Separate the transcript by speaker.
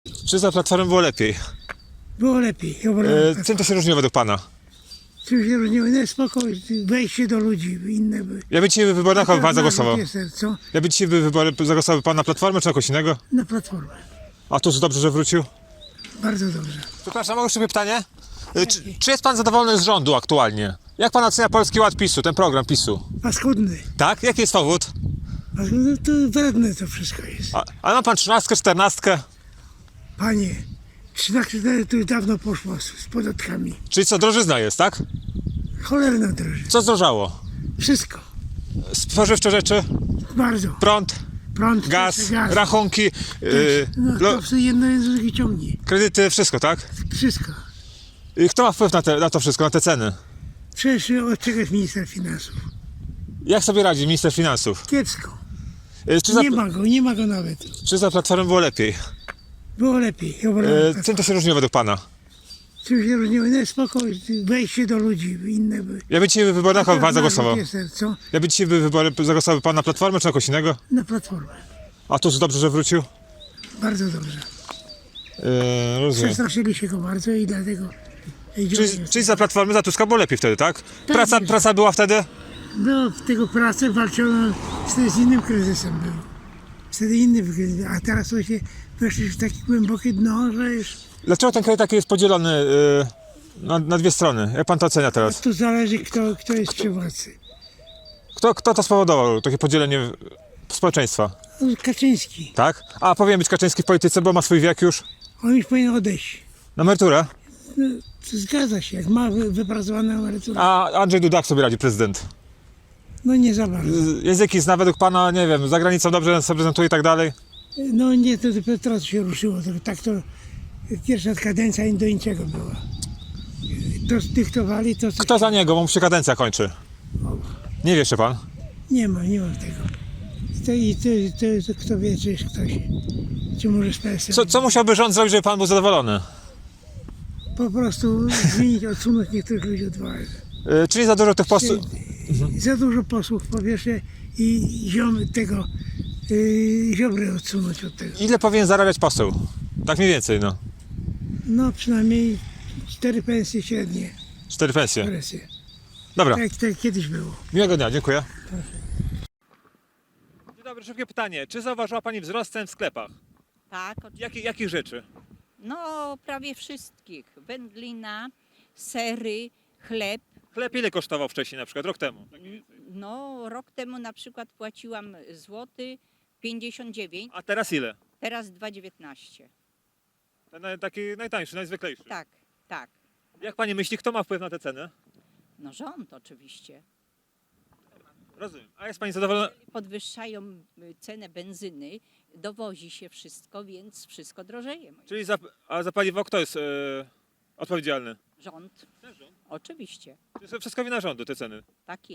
Speaker 1: Czy za Platformą było lepiej?
Speaker 2: Było lepiej.
Speaker 1: Czym to się różniło według pana?
Speaker 2: Czym się różniło? No spokój, wejście do ludzi, inne by.
Speaker 1: Ja by dzisiaj w wyborach na kogo pan zagłosował?
Speaker 2: Co?
Speaker 1: Ja by dzisiaj w wyborach zagłosował pan na Platformę czy na kogoś innego?
Speaker 2: Na Platformę.
Speaker 1: A Tusk dobrze, że wrócił?
Speaker 2: Bardzo dobrze.
Speaker 1: Przepraszam, mogę szybkie pytanie? Czy jest pan zadowolony z rządu aktualnie? Jak pan ocenia Polski Ład PiS-u, ten program PiS-u?
Speaker 2: Paskudny.
Speaker 1: Tak? Jaki jest powód?
Speaker 2: Paskudny to wredne to wszystko jest.
Speaker 1: A ma pan 13, 14?
Speaker 2: Panie, 13 to już dawno poszło z podatkami.
Speaker 1: Czyli co, drożyzna jest, tak?
Speaker 2: Cholerna droży.
Speaker 1: Co zdrożało?
Speaker 2: Wszystko.
Speaker 1: Spożywcze rzeczy?
Speaker 2: Bardzo.
Speaker 1: Prąd?
Speaker 2: Prąd,
Speaker 1: Gaz? Rachunki?
Speaker 2: No to wszystko jedno jest drugie ciągnie.
Speaker 1: Kredyty? Wszystko, tak?
Speaker 2: Wszystko.
Speaker 1: Kto ma wpływ na to wszystko, na te ceny?
Speaker 2: Przecież od czego jest minister finansów?
Speaker 1: Jak sobie radzi minister finansów?
Speaker 2: Kiepsko. Nie ma go nawet.
Speaker 1: Czy za Platformą było lepiej?
Speaker 2: Było lepiej.
Speaker 1: Czym to się różniło według pana?
Speaker 2: Czym się różniło? No spokój, wejście do ludzi, inne by.
Speaker 1: Ja by dzisiaj w wyborach na kogo pan zagłosował?
Speaker 2: Co?
Speaker 1: Ja by dzisiaj w wyborach zagłosował pan na Platformę czy na kogoś innego?
Speaker 2: Na Platformę.
Speaker 1: A Tusk dobrze, że wrócił?
Speaker 2: Bardzo dobrze.
Speaker 1: Rozumiem.
Speaker 2: Przestraszyli się go bardzo i dlatego...
Speaker 1: Czyli za Platformy, za Tuska było lepiej wtedy, tak?
Speaker 2: Tak.
Speaker 1: Praca była wtedy?
Speaker 2: No, w tego pracę walczono z innym kryzysem był. Wtedy inny kryzys, a teraz to się weszli w takie głębokie dno, że już...
Speaker 1: Dlaczego ten kraj taki jest podzielony na dwie strony? Jak pan to ocenia teraz?
Speaker 2: Tu zależy kto jest przy władzy.
Speaker 1: Kto to spowodował, takie podzielenie społeczeństwa?
Speaker 2: No, Kaczyński.
Speaker 1: Tak? A powinien być Kaczyński w polityce, bo ma swój wiek już?
Speaker 2: On już powinien odejść.
Speaker 1: Na emeryturę?
Speaker 2: No, to zgadza się, jak ma wypracowaną emeryturę.
Speaker 1: A Andrzej Duda jak sobie radzi, prezydent?
Speaker 2: No nie za bardzo.
Speaker 1: Języki zna według pana, nie wiem, za granicą dobrze się prezentuje i tak dalej?
Speaker 2: No nie, to dopiero teraz się ruszyło. Tak to pierwsza kadencja do niczego była. To zdyktowali, to co...
Speaker 1: Kto za niego, bo mu się kadencja kończy? Nie wie jeszcze pan?
Speaker 2: Nie ma tego. To kto wie, czy jest ktoś, czy może z PSL.
Speaker 1: Co musiałby rząd zrobić, żeby pan był zadowolony?
Speaker 2: Po prostu zmienić, odsunąć niektórych ludzi od władzy.
Speaker 1: Czyli za dużo tych posłów...
Speaker 2: Za dużo posłów po pierwsze i Ziobry odsunąć od tego.
Speaker 1: Ile powinien zarabiać poseł? Tak mniej więcej, no.
Speaker 2: No przynajmniej 4 pensje średnie.
Speaker 1: 4 pensje.
Speaker 2: Presje.
Speaker 1: Dobra,
Speaker 2: Tak kiedyś było.
Speaker 1: miłego dnia, dziękuję. Dzień dobry, szybkie pytanie. Czy zauważyła pani wzrost cen w sklepach?
Speaker 3: Tak, oczywiście.
Speaker 1: Jakich rzeczy?
Speaker 3: No prawie wszystkich. Wędlina, sery, chleb.
Speaker 1: Chleb ile kosztował wcześniej, na przykład rok temu?
Speaker 3: No rok temu na przykład płaciłam złoty 59,
Speaker 1: A teraz ile?
Speaker 3: teraz 2,19.
Speaker 1: Ten taki najtańszy, najzwyklejszy.
Speaker 3: Tak, tak.
Speaker 1: Jak pani myśli, kto ma wpływ na te ceny?
Speaker 3: No rząd oczywiście.
Speaker 1: Rozumiem. A jest pani zadowolona?
Speaker 3: Podwyższają cenę benzyny, dowozi się wszystko, więc wszystko drożeje.
Speaker 1: Czyli za paliwo kto jest odpowiedzialny?
Speaker 3: Rząd, oczywiście.
Speaker 1: Czyli wszystko wina rządu, te ceny.
Speaker 3: Tak jest.